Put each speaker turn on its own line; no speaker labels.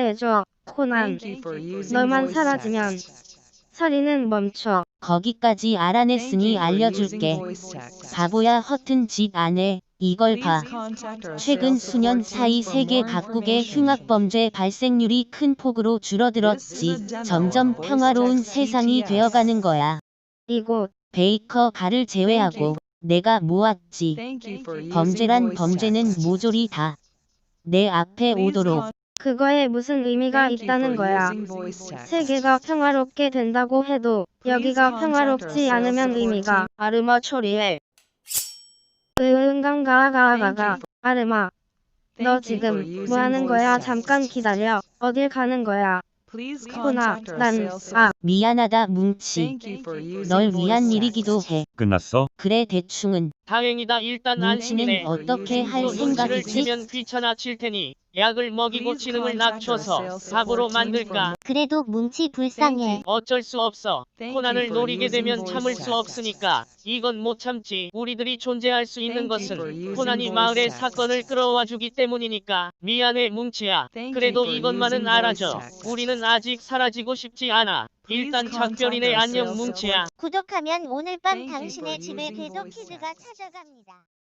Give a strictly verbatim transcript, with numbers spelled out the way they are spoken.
해줘, 코난. 너만 사라지면 살인은 멈춰.
거기까지 알아냈으니 알려줄게. 바보야, 허튼 짓 안 해. 이걸 봐. 최근 수년 사이 세계 각국의 흉악범죄 발생률이 큰 폭으로 줄어들었지. 점점 평화로운 세상이 되어가는 거야.
이곳
베이커 가를 제외하고 내가 모았지. 범죄란 범죄는 모조리 다 내 앞에 오도록.
그거에 무슨 의미가 있다는 거야. 세계가 평화롭게 된다고 해도 여기가 평화롭지 않으면 의미가.
아르마 처리해.
으응강가가가가. 아르마, 너 지금 뭐 하는 거야? 잠깐 기다려. 어딜 가는 거야? 코나, 난, 아,
미안하다 뭉치. 널 위한 일이기도 해.
끝났어?
그래, 대충은.
다행이다. 일단
뭉치는
안심이네.
어떻게 할
또 눈치를
생각이지?
채면 귀찮아질 테니 약을 먹이고 지능을 낮춰서 사고로 만들까?
그래도 뭉치 불쌍해.
어쩔 수 없어. 코난을 노리게 되면 참을 수 없으니까. 이건 못 참지. 우리들이 존재할 수 있는 것은 코난이 마을의 사건을 끌어와 주기 때문이니까. 미안해 뭉치야. 그래도 이것만은 알아줘. 우리는 아직 사라지고 싶지 않아. 일단 작별이네. 안녕 뭉치야.
구독하면 오늘 밤 당신의 집에 궤도 키즈가 찾아갑니다.